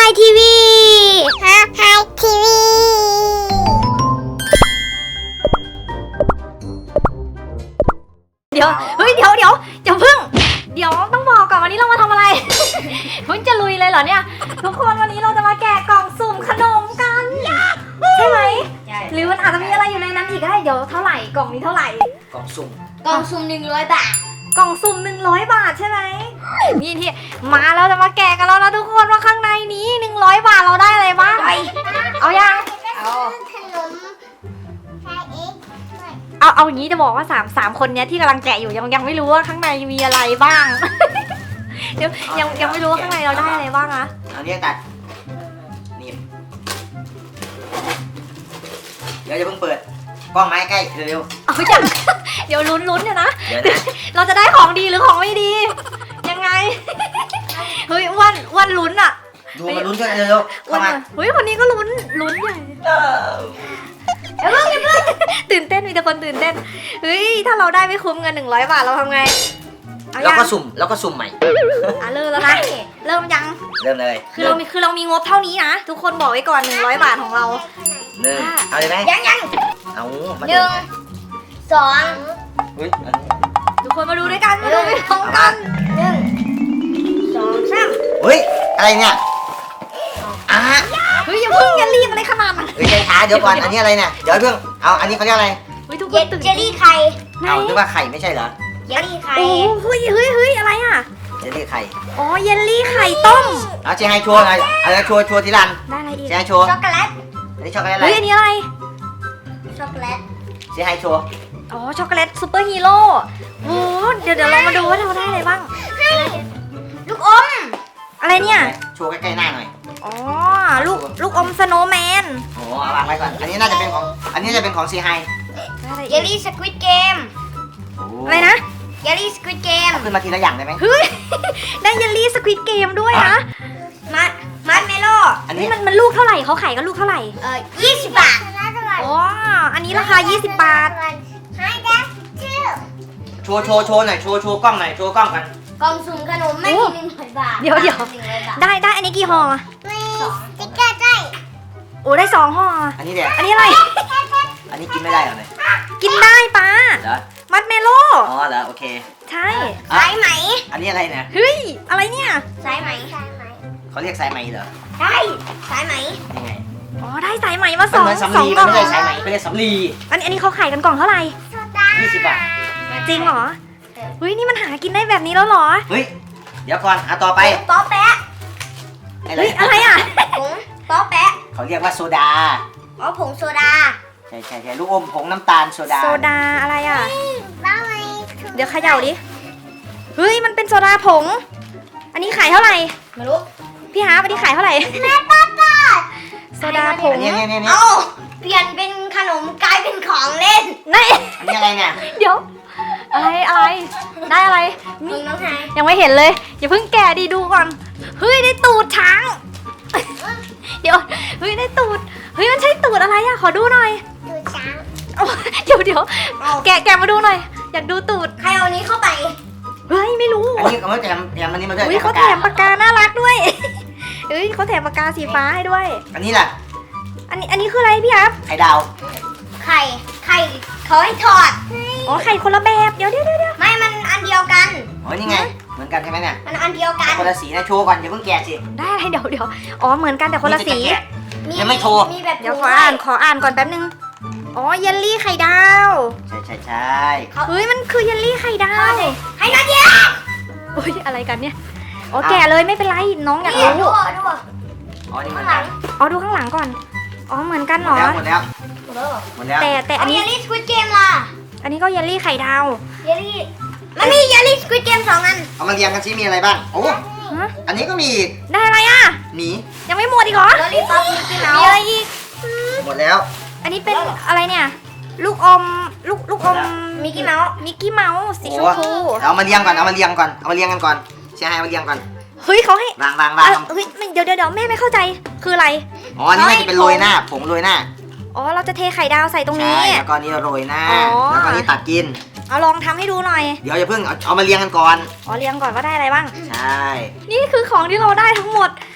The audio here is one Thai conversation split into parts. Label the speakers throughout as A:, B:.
A: ทีวี
B: ไฮทีวี
A: เดี๋ยวเฮ้ยเดี๋ยวอย่าเพิ่งเดี๋ยวต้องบอกก่อนวันนี้เรามาทำอะไร เพิ่งจะลุยเลยเหรอเนี่ยทุกคนวันนี้เราจะมาแกะกล่องสุ่มขนมกันใช่ไหมใช่หรือมันอาจจะมีอะไรอยู่ในนั้นอีกก็ได้เดี๋ยวเท่าไหร่กล่องนี้เท่าไหร่
C: กล่องสุ่ม
A: 100 บาทกล่องสุ่ม100 บาทใช่ไหมนี่ที่มาเราจะมาแกะกันแล้วนะทุกคนว่าข้างในนี้100 บาทเราได้อะไรบ้างเอายัง
B: เอาขนมไฮเอ็ก
A: เอาอย่างนี้จะบอกว่าสามคนเนี้ยที่กำลังแกะอยู่ยังไม่รู้ว่าข้างในมีอะไรบ้าง เดี๋ยวยังไม่รู้ว่าข้างในเราได้อะไรบ้างอะ
C: เอาเนี้ยตัดนี่เดี๋ยวจะเพิ่งเปิดกล้องไม้ใกล้เร็ว
A: เอาอย่างเดี๋ยวลุ้นเนี่ยนะ
C: เดี๋ยวนะ
A: เราจะได้ของดีหรือของไม่ดี ยังไง เฮ้ยอ้วนลุ้นอะ
C: ดูมาลุ้นกันเร็วเข้ามา
A: เฮ้ยคนนี้ก็ลุ้นใหญ่อย่าเพิ่งตื่นเต้นมีแต่คนตื่นเต้นเฮ้ยถ้าเราได้ไม่คุ้มเงิน100 บาทเราทำไงเอา
C: แล้ว
A: ยัง
C: ก็สุ่มใหม่
A: เริ่มแล้วนะเริ่มยัง
C: เริ่มเลย
A: คือเรามีงบเท่านี้นะทุกคนบอกไว้ก่อน100 บาทของเรา
C: หนึ่งเอาเลยไหม
B: ยัง
C: เอามา
B: 1 2
C: อุ้ย
A: ทุกคนมาดูด้วยกันมาดูไปพร้อมกัน
B: 1 2 3
C: เฮ้ยอะไรเนี่ย
A: เฮ้ยอย่ารีบอะไรขนาดนั้น
C: เฮ้ยใจช้าเดี๋ยวก่อนอันนี้อะไรเนี่ยเดี๋ยวเพิ่งเอาอันนี้เขาเรียกอะไร
A: เฮ้ยทุกคนตื่น
B: เจลลี่ไข่
C: เอานึกว่าไข่ไม่ใช่เหรอ
B: เจลลี่ไข่
A: โอ้เฮ้ยอะไรอ่ะ
C: เจลลี่ไข่
A: อ๋อเยลลี่ไข่ต้ม
C: เอาเชียร์ไฮชัวร์หน่อยเอาชัวร์ทีรัน
A: ได้อะไรอีก
C: เชียร์ไฮชัวร์
B: ช็อกโกแลต
C: อันนี้ช็อกโกแลตอะไร
A: เฮ้ยอันนี้อะไร
B: ช็อกโกแลต
C: เชียร์ไฮชัวร์
A: อ๋อช็อกโกแลตซูเปอร์ฮีโร่โอ้เดี๋ยวเรามาดูว่าเราได้อะไรบ้าง
B: ลูกอม
A: อะไรเนี่ย
C: ชัวร์ใกล้ๆหน้าหน่อย
A: อ๋อลูกอมสโนว์แมน
C: โอ้เอาวางไว้ก่อนอันนี้น่าจะเป็นของอันนี้จะเป็นของเชียร์ไฮ
A: ได้อะไร
B: เย
A: อี
B: ล
A: ก
B: ลี่สควิดเกม
A: อะไรนะ
B: เยลลี่สควิดเกม
C: ขึ้นมาทีละอย่างได้ไหม
A: เฮ้ย ได้เยลลี่สควิดเกมด้วยนะ
B: มัดเมโล่
C: อัน
A: นี่
C: นี้
A: มันลูกเท่าไหร่เขาขายกันลูกเท่าไหร่
B: 20 บาท
A: อ๋ออันนี้ราคา20 บาท
B: ให้ได้ชื่อ
C: โชว์หน่อยโชว์กล้องหน่อยโชว์กล้องกัน
B: กล่องสุ่มขนมไม่มี100 บาท
A: เดี๋ยว
B: 100 บาท
A: ได้อันนี้กี่ห่อ
B: ไม่สติ๊กเกอร์ได้
A: โอ้ได้2 ห่อ
C: อันนี้เดี๋ยว
A: อันนี้อะไร
C: อันนี้กินไม่ได้เหรอเนี่ย
A: กินได้ป้า
C: เหรอ
A: มัดเมโล่
C: อ๋อเหรอโอเค
A: ใช่
B: สายไหม
C: อันนี้อะไรเนี่ย
A: เฮ้ยอะไรเนี่ย
B: สายไหม
C: เขาเรียกสายไหมเหรอ
B: ได้สายไหม
C: ยังไง
A: อ๋อได้สายไหมมา
C: มันเหมือนสำลี
A: กล่
C: มั
A: อน ง
C: ไม่ใช่สายไหมเขาเรียกสำลี
A: อันนี้เขาขายกันกล่องเท่าไหร่
C: 20 บาท
A: จริงเหรอเฮ้ยนี่มันหากินได้แบบนี้แล้วเหรอ
C: เฮ้ยเดี๋ยวก่อนต่อไป
B: ป๊อแปะ
A: เฮ้ยอะไรอ่ะ
B: ผงป๊อแปะ
C: เขาเรียกว่าโซดา
B: อ๋อผงโซดา
C: ใช่ลูกอมผงน้ำตาลโซดา
A: โซดาอะไรอ่ะ
B: บ้าไหม
A: เดี๋ยวเขย่าดิเฮ้ยมันเป็นโซดาผง อันนี้ขายเท่าไหร่
B: ไม่รู้
A: พี่ฮาร์ปอันนี้ขายเท่าไหร่
B: แม่ป๊อปป๊อ
A: โซดาผง
C: อันนี้
B: เอ้าเปลี่ยนเป็นขนมกลายเป็นของเล่น
A: นี่
C: อันนี้อะไรเนี่ย
A: เดี๋ยวอะไรได้อะไร
B: มึงน้องไฮ
A: ยังไม่เห็นเลยอย่าเพิ่งแกะดีดูก่อนเฮ้ยได้ตูดช้าง เดี๋ยวเฮ้ยได้ตูดเฮ้ยมันใช่ตูดอะไรอะขอดูหน่อย
B: ดูช้าง
A: เอาเดี๋ยวแกะมาดูหน่อย อยากดูตูด
B: ใครเอานี้เข้าไป
A: เฮ้ยไม่รู้
C: อันนี้เขาแถมอันนี้มาด้วย
A: เฮ้ยเขาแถมปากกาน่ารักด้วย เฮ้ยเขาแถมปากกาสีฟ้าให้ด้วย
C: อันนี้ล่ะ
A: อันนี้คืออะไรพี่อัพ
C: ไข่ดาว
B: ไข่เขาให้ถอด
A: อ๋อไข่คนละแบบเดี๋ยว
B: ไม่มันอันเดียวกัน
C: โอ้ยนี่ไงเหมือนกันใช่ไหมเนี่ย
B: มันอันเดียวกัน
C: คนละสีนะโชว์ก่อนอย่าเพิ่งแกะสิ
A: ได้อะไรเดี๋ยวอ๋อเหมือนกันแต่คนละสี
C: นี่จแกยังไม่โชว์
B: มีแบบ
A: เดี๋ยวขออ่านก่อนแป๊บนึงอ๋อเยลลี่ไข่ดาว
C: ใช่
A: เฮ้ยมันคือเยลลี่ไข่ดาว
B: ให้นาเดีย
A: เฮ้ยอะไรกันเนี่ยอ๋อแกะเลยไม่เป็นไรน้องอยาก
B: นี่ดู
A: รู้
C: อ๋อนี่เหมื
B: ข้า
C: อง น
B: ห
C: กั
B: ลั
C: น
B: ง
A: อ๋อดูข้างหลังก่อนอ๋อเหมือนกันเหรอ
C: หมดแล้ว
B: หมดแล้ว
A: แต่
B: อั
A: อั
B: น
A: น
B: นี้
A: นี้
B: เยลลี่สควิดเกมล่ะ
A: อันนี้ก็เยลลี่ไข่ดาว
B: เยลลี่มันมีเยลลี่สควิดเกม2 อัน
C: เอามาเรียงกันซิมีอะไรบ้างโอ้
A: ฮะ
C: อันนี้ก็มี
A: ได้อะไรอ่ะ
C: หมี
A: ยังไม่หมดอีกเหรอ
B: ลอลี่ป๊อปมิกกี้เมา
A: มี
B: ส์
A: อะไรอีก
C: หมดแล้ว
A: อันนี้เป็นอะไรเนี่ย ลูกอมลูกอม
B: มิกกี้เมาส์
A: มิกกี้เมาส์สีชมพู
C: เอามาเรียงกันก่อนเชียร์ให้มาเรียงก่อน
A: เฮ้ยเขาให้
C: วาง
A: เฮ้ยเดี๋ยวแม่ไม่เข้าใจคืออะไร
C: อ๋ออันนี้น่าจะเป็นโรยหน้าผงโรยหน้า
A: อ๋อเราจะเทไข่ดาวใส่ตรง
C: ใช่
A: นี้
C: แล้วก็อันนี้โรยหน้า
A: อ๋อ
C: แล้วก็อันนี้ตัดกิน
A: เอาลองทำให้ดูหน่อย
C: เดี๋ยวอย่าเพิ่งเอามาเรียงกันก่อน
A: อ๋อเรียงก่อนว่าได้อะไรบ้าง
C: ใช่
A: นี่คือของที่เราได้ทั้งหมด100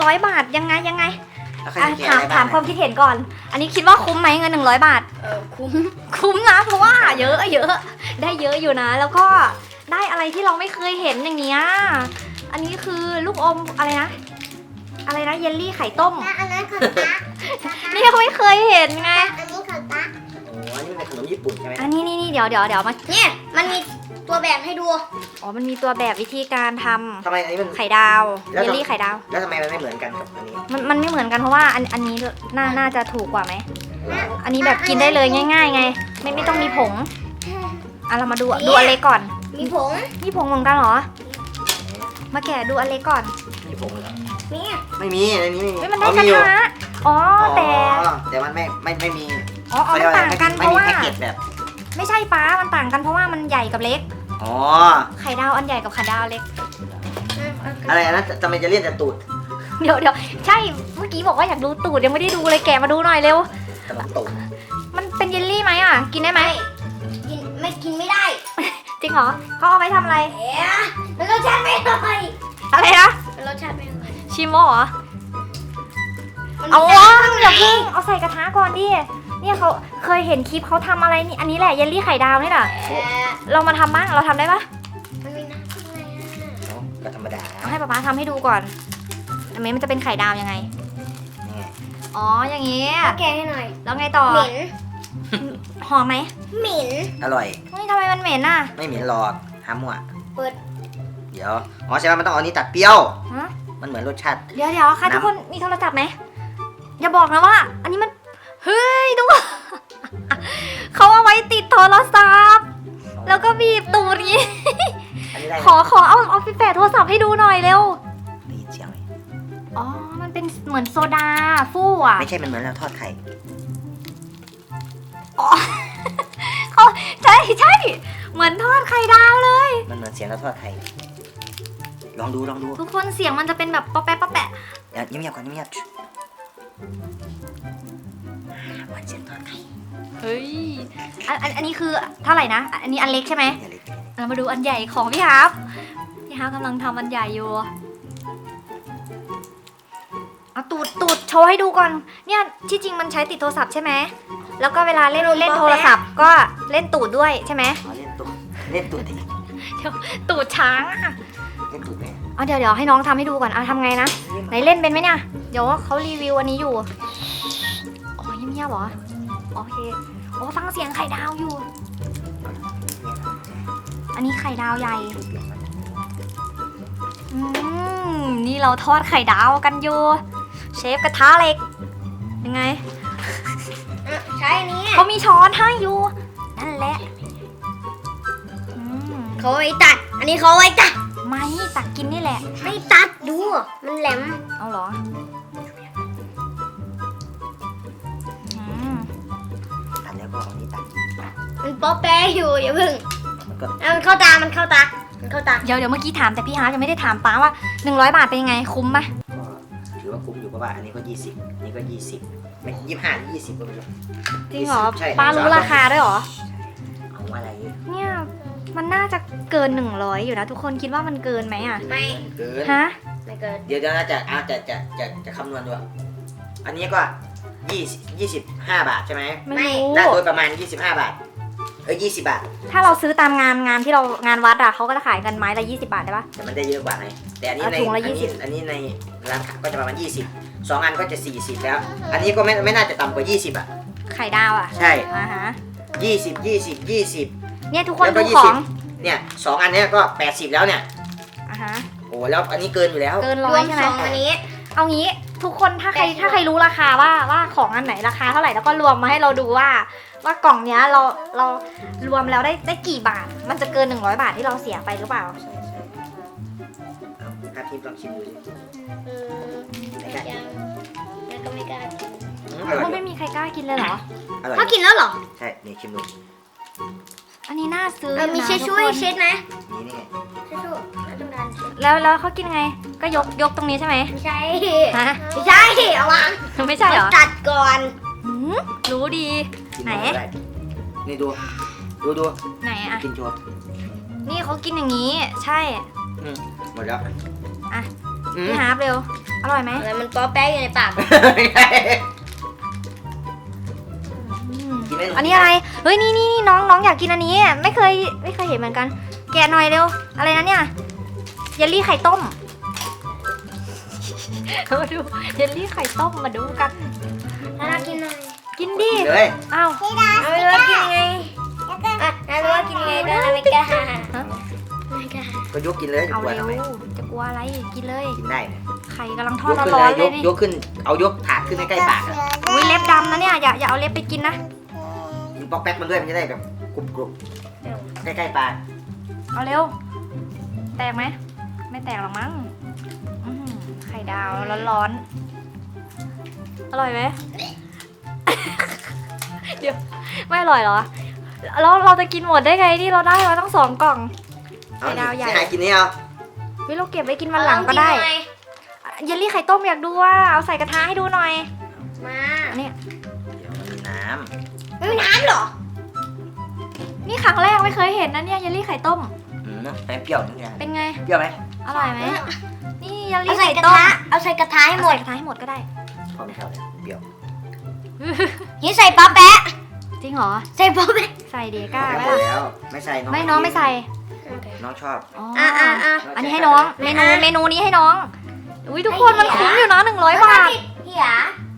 A: 100 บาทยังไง
C: แล้วใคร
A: อ่ะ
C: จะแกะอะไรบ้าง
A: ถามความคิดเห็นก่อน อันนี้คิดว่าคุ้มไหมเงิน100 บาท คุ้มนะเพราะว่าเยอะได้เยอะอยู่นะ แล้วก็ได้อะไรที่เราไม่เคยเห็นอย่างเงี้ยอันนี้คือลูกอมอะไรนะเยลลี่ไข่ต้ม
B: อันนั้นของตา
A: นี่ไม่เคยเห็นไง
B: อันนี้ของตา
C: โอ้อันนี้เป็นขนมญี่ปุ่นใช่ไหม
A: อันนี้เดี๋ยวมา
B: เนี่ยมันมีตัวแบบให้ดู
A: อ๋อมันมีตัวแบบวิธีการทำ
C: ทำไมอันนี้มัน
A: ไข่ดาว
C: แล้ว
A: เยลลี่ไข่ดาว
C: แล้วทำไมมันไม่เหมือนกันกับอันนี้
A: มันไม่เหมือนกันเพราะว่าอันนี้น่าจะถูกกว่าไหมอันนี้แบบกินได้เลยง่ายๆไงไม่ต้องมีผงอ่ะเรามาดูอันเล็กก่อน
B: มีผง
A: มีผงเหมือนกันเหรอมาแกะดูอันเล็กก่อน
C: มีผงเหรอ
B: นี่
C: ไม่มีอันนี้ไม่มี
A: เฮ้ยมันได้
C: อ๋อก
A: ระ
C: มีอยู่
A: ทะอ๋อแต่
C: แต่มันไม่มี
A: อ๋อมันต่างกันเพ
C: ไม่
A: ราะ
C: มี
A: ว่า
C: แพ็กเกจแบบ
A: ไม่ใช่ป้ามันต่างกันเพราะว่ามันใหญ่กับเล็ก
C: อ๋อ
A: ไข่ดาวอันใหญ่กับไข่ดาวเล็ก
C: อะไรนะทำไมจะเลี่ยนแต่ตูด
A: เดี๋ยวใช่เมื่อกี้บอกว่าอยากดูตูดยังไม่ได้ดูเลยแกะมาดูหน่อยเร็ว
C: ขนมตูด
A: มันเป็นเยลลี่ไหมอ่ะกินได้ไหม
B: กินไม่ได้
A: จริงเหรอเขาเอาไปทำอะไร
B: เอ๊ะมันรสชาติไม่อร่อย
A: อะไรนะ
B: มันรสชาติไม่อร่อย
A: ชิโมเหรอ
B: มัน
A: เอา
B: มี
A: วะ
B: น้ำข้าง
A: อย่า
B: ใน
A: เพิ่งเอาใส่กระทะก่อนดิเนี่ยเขาเคยเห็นคลิปเขาทำอะไรนี่อันนี้แหละเยลลี่ไข่ดาวนี่แหละ
B: เอ๊ะ
A: เรามาทำบ้างเราทำได้ปะ
B: มันมีน้ำข้างในอ่ะ
C: เนาะก็ธรรมดา
A: เอาให้ป๊าป๊าทำให้ดูก่อนอันนี้มันจะเป็นไข่ดาวยังไง
C: นี่ไง
A: อ๋ออย่างงี้
B: แกะให้หน่อย
A: แล้วไงต่อ
B: เหม็น
A: หอมไหม
B: เหม็น
C: อร่อย
A: เฮ้ยทำไมมันเหม็นอ่ะ
C: ไม่เหม็นหรอกห้ามมั่ว
B: เปิด
C: เดี๋ยวอ๋อใช่ไหมมันต้องเอาอันนี้ตัดเปรี้ยว
A: ฮะ
C: มันเหมือนรสชาติ
A: เดี๋ยวค่ะ
C: น้ำ
A: ทุกคนมีโทรศัพท์ไหมอย่าบอกนะว่า อันนี้มันเฮ้ยดู เขาเอาไว้ติดโทรศัพท์แล้วก็บีบตูดอย่างงี้
C: อันนี้ได้ไหม
A: ขอเอาไปแปะโทรศัพท์ให้ดูหน่อยเร็ว
C: ได้ยินเสียงไหม
A: อ๋อ มันเป็นเหมือนโซดาฟู่อ่ะ
C: ไม่ใช่มันเหมือนเราทอดไข่
A: เขาใช่เหมือนทอดไข่ดาวเลย
C: มันเหมือนเสียงเราทอดไข่ลองดู
A: ทุกคนเสียงมันจะเป็นแบบป๊อปแป๊ะป๊อปแปะ
C: เดี๋ยวเงียบๆก่อนเงียบๆเหมือนเสียงทอดไข่
A: เฮ้ยอันนี้คือเท่าไหร่นะ อันนี้อันเล็กใช่ไหม
C: อย่าเลย
A: เรามาดูอันใหญ่ของพี่ฮาร์ฟกำลังทำอันใหญ่อยู่เอาตูดโชว์ให้ดูก่อน เนี่ยที่จริงมันใช้ติดโทรศัพท์ใช่ไหมแล้วก็เวลาเล่นโทรศัพท์ก็เล่นตูดด้วยใช่ไหม
C: อ๋อเล่นตูดดิ
A: ตูดช้างอะ
C: เล่นตูดไหม
A: เอาเดี๋ยวให้น้องทำให้ดูก่อนเอาทำไงนะไหนเล่นเป็นไหมเนี่ยเดี๋ยวเขารีวิวอันนี้อยู่อ๋อเงียบๆเหรอโอเคโอ้ฟังเสียงไข่ดาวอยู่ อันนี้ไข่ดาวใหญ่นี่เราทอดไข่ดาวกันอยู่เชฟกระทะเหล็กยังไง
B: อ่ะใช้อันนี้
A: เขามีช้อนให้อยู่นั่นแหละอืม
B: เขาไว้ตัด อันนี้เขาไว้ตัด
A: ไม่ตักกินนี่แหละ
B: ไม่ตัดดู มันแหลม
A: เอาเหรออืม
C: ตัดแล้วก็เอานี้ตัด
B: มันป๊อปแป๊ะอยู่อย่าเพิ่ง
C: มันก็
B: เอามันเข้าตา มันเข้าตา มันเข้าตา
A: เดี๋ยวเมื่อกี้ถามแต่พี่ฮาร์ทยังไม่ได้ถามป้าว่า100 บาทเป็นยังไงคุ้มไหม
C: ก็ถือว่าคุ้มอยู่เพราะว่าอันนี้ก็20อันนี้ก็20ไม่25 20ก็ไม่รู้
A: จริงเหรอ
C: ใช่
A: ป้ารู้ราคาด้วยเหรอ
C: เอาอะไร
A: เนี่ยมันน่าจะเกิน100อยู่นะทุกคนคิดว่ามันเกินไหมอ่ะ
B: ไม่
C: เกิน
A: ฮะ
B: ไม่เกิน
C: เดี๋ยวนะจะคำนวณดูอันนี้ก็25 บาทใช่ไหม
A: ไม่รู้
C: ได้โดยประมาณ25 บาท20 บาท
A: ถ้าเราซื้อตามงานที่เรางานวัดอ่ะเขาก็จะขายกันไม้ละ20 บาทได้ปะ
C: แต่มันได้เยอะกว่าไงแต่อันนี้
A: อ่ะ
C: ใน
A: ถุงละ
C: อันนี้ในร้านค้าก็จะประมาณ20 2 อันก็จะ40แล้ว อันนี้ก็ไม่น่าจะต่ำกว่า20อ่ะ
A: ไข่ดาวอ่ะ
C: ใช่
A: อ่าฮะ
C: 20
A: เนี่ยทุกคน
C: แล้วก็
A: ดูของ
C: เนี่ย2 อันเนี้ยก็80แล้วเนี่ย
A: อ่าฮะ
C: โอ้แล้วอันนี้เกินอยู่แล้ว
A: เกิน
B: ร
A: ร้อ
B: วย ม
A: ใช่ไหม
B: สองอันนี้
A: เอางี้ทุกคนถ้าใครรู้ราคาว่าของอันไหนราคาเท่าไหร่แล้วก็รวมมาให้เราดูว่ากล่องเนี้ยเรารวมแล้วได้กี่บาท มันจะเกิน100 บาทที่เราเสียไปหรือเปล่า
C: ใช่ถ้าทิพย์ลองชิมดูสิ
B: ไม่กล้าแล้วก็ไม่กล้ากิน
C: อร่อย
A: มันไม่มีใครกล้ากินเลยเหรอ
C: อร่อย
B: เขากินแล้วเหรอ
C: ใช่นี่ชิมดู
A: อันนี้น่าซื้อ
B: เออมี
A: นะ
B: เช็ดช่วย
A: ทุกคน
B: เช็ดไหม
C: นี่ไง
B: เช็ดช่วยแล้วต้องการเช็ด
A: แล้วเขากินไงก็ยกตรงนี้ใช่ไหม
B: ไม่ใช่
A: ฮะ
B: ไม่ใช่เอาวาง
A: ไม่ใช่เหรอ
B: ตัดก่อน
A: หืมรู้ดี
C: กิน
A: ไหน
C: ได้นี่ดู
A: ไหนอะ
C: กินโชว์
A: นี่เขากินอย่างนี้ ใช่
C: หมดแล้ว
A: อ่ะ
C: น
A: พี่ฮาร์ปเร็วอร่อยไหม
B: อะไรมันป๊อแป๊ะอยู่ในปาก
C: กินไหม
A: อันนี้อะไรเฮ้ยนี่น้องอยากกินอันนี้ไม่เคยเห็นเหมือนกัน แกะหน่อยเร็วอะไรนะเนี่ยเยลลี่ไข่ต้มมาดูเยลลี่ไข่ต้มมาดูกัน
B: น่ากินหน่อย
A: กินดิ
C: กินเลย
A: อ้าว
B: ไม่รู้ว่ากินยังไงน่ารู้ว่ากินยังไงแต่ไม่กล้าไม่กล้า
C: ก็ยกกินเลยจะ
A: เอา
C: กลัว
A: เร็
C: ทำ
A: ว
C: ไม
A: จะกลัวอะไรกินเลย
C: กินได้เนี่ย
A: ไข่กำลังท
C: ย
A: อด
C: กขึ้น
A: ร้อนๆ
C: เล
A: เลย ยนี่
C: ยกขึ้นเอายกถาดขึ้นใกล้ๆปากอะ
A: อุ้ยเล็บดำนะเนี่ยอย่าเอาเล็บไปกินนะ
C: กินปอกแป๊กมันด้วยมันจะได้แบบกรุบๆใกล้ๆปาก
A: เอาเร็วแตกไหมไม่แตกหรอกมั้งไข่ดาวร้อนๆอร่อยไหม เดี๋ยวไม่อร่อยเหรอแล้วเราจะกินหมดได้ไงนี่เราได้มาตั้ง2 กล่อง
C: เอา
A: ไข่ดาวใหญ่
C: หากินนี่เอา
A: วิเราเก็บไว้กินวันหลังก็ได้เยลลี่ไข่ต้มอยากดูว่าเอาใส่กระทะให้ดูหน่อย
B: มา
A: อันนี้
C: เดี๋ยวมันมีน้
B: ไม่มีน้ำเหรอ
A: นี่ครั้งแรกไม่เคยเห็นนะเนี่ยเยลลี่ไข่ต้ม
C: ำแป้งเปรี้ยวนิดนึง
A: เป็นไง
C: เปรี้ยวไหม
A: อร่อยไหมนี่เยล
B: เอา
A: ลี่
B: ใส่
A: ไข่
B: กระ
A: ต้ม
B: ทะเอาใส่กระทะให้หมด
A: ใส่กระทะให้หมดก็ได้
C: พอไม่เข้าเลยเปรี้ยว
B: นี่ใส่ป๊อแป๊ะ
A: จริงเหรอ
B: ใส่ป๊อแป๊ะ
A: ใส่เดก้า
C: แล้
A: ไหม
C: ว
A: ล่ะ
C: แล้วไม่ใส่น้อง
A: ไม่น้องไม่ใส่
C: น้องชอบ
A: อ๋อ
B: อ่ะ
A: อันนี้ให้น้องเมนูนี้ให้น้องอุ้ยทุกคนมันคุ้มอยู่นะ100 บาท
B: พี่หยา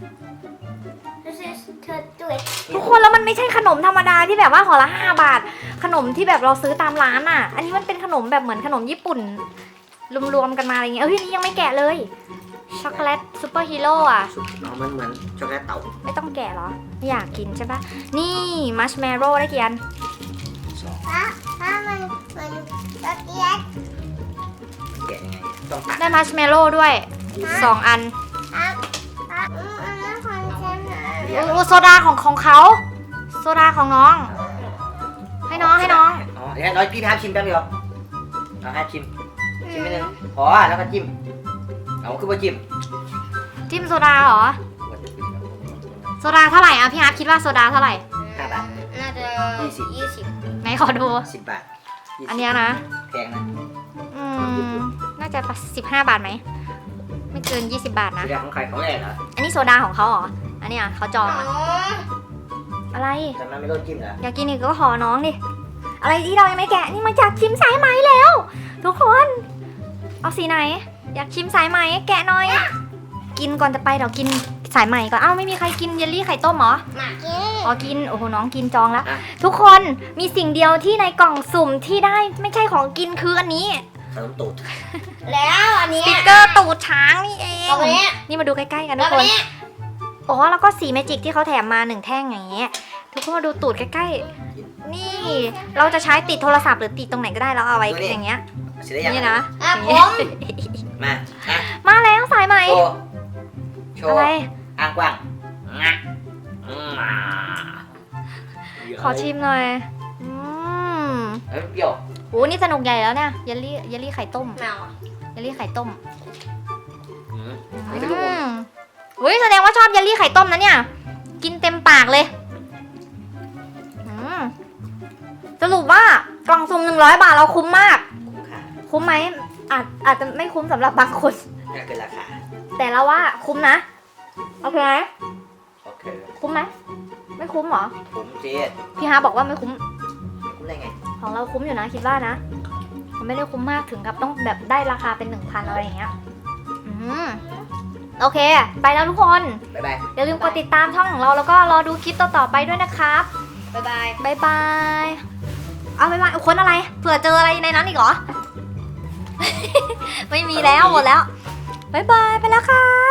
B: This is to do it
A: ทุกคนแล้วมันไม่ใช่ขนมธรรมดาที่แบบว่าห่อละ5 บาท ขนมที่แบบเราซื้อตามร้านอ่ะ อันนี้มันเป็นขนมแบบเหมือนขนมญี่ปุ่นรวมๆกันมาอะไรเงี้ยนี่ยังไม่แกะเลยช็อกโกแลตซูเปอร์ฮีโร่อ่ะ
C: สุดน้องมันเหมือนช็อกโกแลตเต่า
A: ไม่ต้องแกะเหรอไม่อยากกินใช่ปะนี่มัชเมโร่ได้กี่อัน
C: สอง
B: ถ้ามันช็อกโกแลต
C: แกะยังไงต้องตัด
A: ได้มัชเมโร่ด้วย2 อัน
B: อันนั้นของฉันนะ
A: โอ้โซดาของเขาโซดาของน้อง ให้น้อง
C: อ๋อเดี๋ยวน้อยพี่พาชิมแป๊บเดียวเอาให้ชิมไม่นึงพอแล้วก็จิ้มเอาคือว่าจิ้ม
A: จิ้มโซดาเหรอโซดาเท่าไหร่อ่ะพี่ฮาร์ปคิดว่าโซดาเท่าไหร่
C: 5 บาท
B: น่าจะ
C: 20
A: ไหนขอดู
C: 10 บาท
A: อันเนี้ยนะ
C: แพงนะ
A: น่าจะ15 บาทไหมไม่เกิน20 บาทนะ
C: สีแดงของใครของแรกเหรอ
A: อันนี้โซดาของเขาเหรออันเนี้ยเขาจอง
B: อ๋อ
A: อะอะไร
C: แต่มันไม่ต้องจิ้มเหรอ
A: อยากกินอีกก็ขอน้องดิอะไรที่เรายังไม่แกะนี่มาจากชิมสายไหมแล้ว ทุกคน เอาสีไหน อยากชิมสายไหมแกะหน่อย กินก่อนจะไปเดี๋ยวกินสายไหมก่อนเอ้าไม่มีใครกินเยลลี่ไข่ต้มเหรอ
B: มากิน
A: อ๋อกินโอ้โหน้องกินจองแล้ว ทุกคนมีสิ่งเดียวที่ในกล่องสุ่มที่ได้ไม่ใช่ของกินคืออันนี้
C: ขนมตูด
B: แล้วอัน
A: ส
B: นี้
A: ติกเกอร์ตูดช้างนี่เอง
B: เอาไปเนี่ย
A: นี่มาดูใกล้ๆกันทุ
B: แล้
A: ก
B: ว
A: ค
B: อั
A: น
B: นนี้
A: อ๋อแล้วก็สีเมจิกที่เขาแถมมา1 แท่งอย่างเงี้ยทุกคนมาดูตูดใกล้ๆนี่เราจะใช้ติดโทรศัพท์หรือติดตรงไหนก็ได้แล้วเอาไว้อย่างเงี้ย
C: เสร็จแล้วยัง
A: นี่นะ
B: อ่ะ
A: อย่าง
B: ผ
A: เงี้ย
B: ม
C: มาอ่ะ
A: มาแล้วสายไหม
C: โช
A: อะ
C: ว์
A: ไร
C: อ้างกว้างงะ
A: ขอชิมหน่อยม
C: เอ้ยเปรี้ยว
A: โอ้นี่สนุกใหญ่แล้วเนี่ยเยลลี่ไข่ต้ม
B: แมว
A: เยลลี่ไข่ต้ม
C: นี่เป็นลูกอม
A: อุ้ยแสดงว่าชอบเยลลี่ไข่ต้มนะเนี่ย กินเต็มปากเลยอืมสรุปว่ากล่องสุ่ม100 บาทเราคุ้มมาก
C: คุ้มค่า
A: คุ้มไหมอาจจะไม่คุ้มสำหรับบางคน
C: ก็คือราคา
A: แต่เราว่าคุ้มนะโอเคไหม
C: โอเค
A: คุ้มไหมไม่คุ้มเหรอ
C: คุ้มเจ๊
A: พี่ฮาบอกว่าไม่คุ้ม
C: คุ้มได้ไง
A: ของเราคุ้มอยู่นะคิดว่านะ มันไม่ได้คุ้มมากถึงกับต้องแบบได้ราคาเป็น 1,000อะไรอย่างเงี้ยโอเค ไปแล้วทุกคน
C: บ๊ายบาย
A: อย่าลืมกดติดตามช่องของเราแล้วก็รอดูคลิปต่อๆไปด้วยนะครับ
B: บ๊ายบาย
A: บ๊ายบายเอาบ๊ายบายคนอะไรเผื่อเจออะไรในนั้นอีกเหรอ ไม่มีแล้วหมดแล้วบ๊ายบายไปแล้วครับ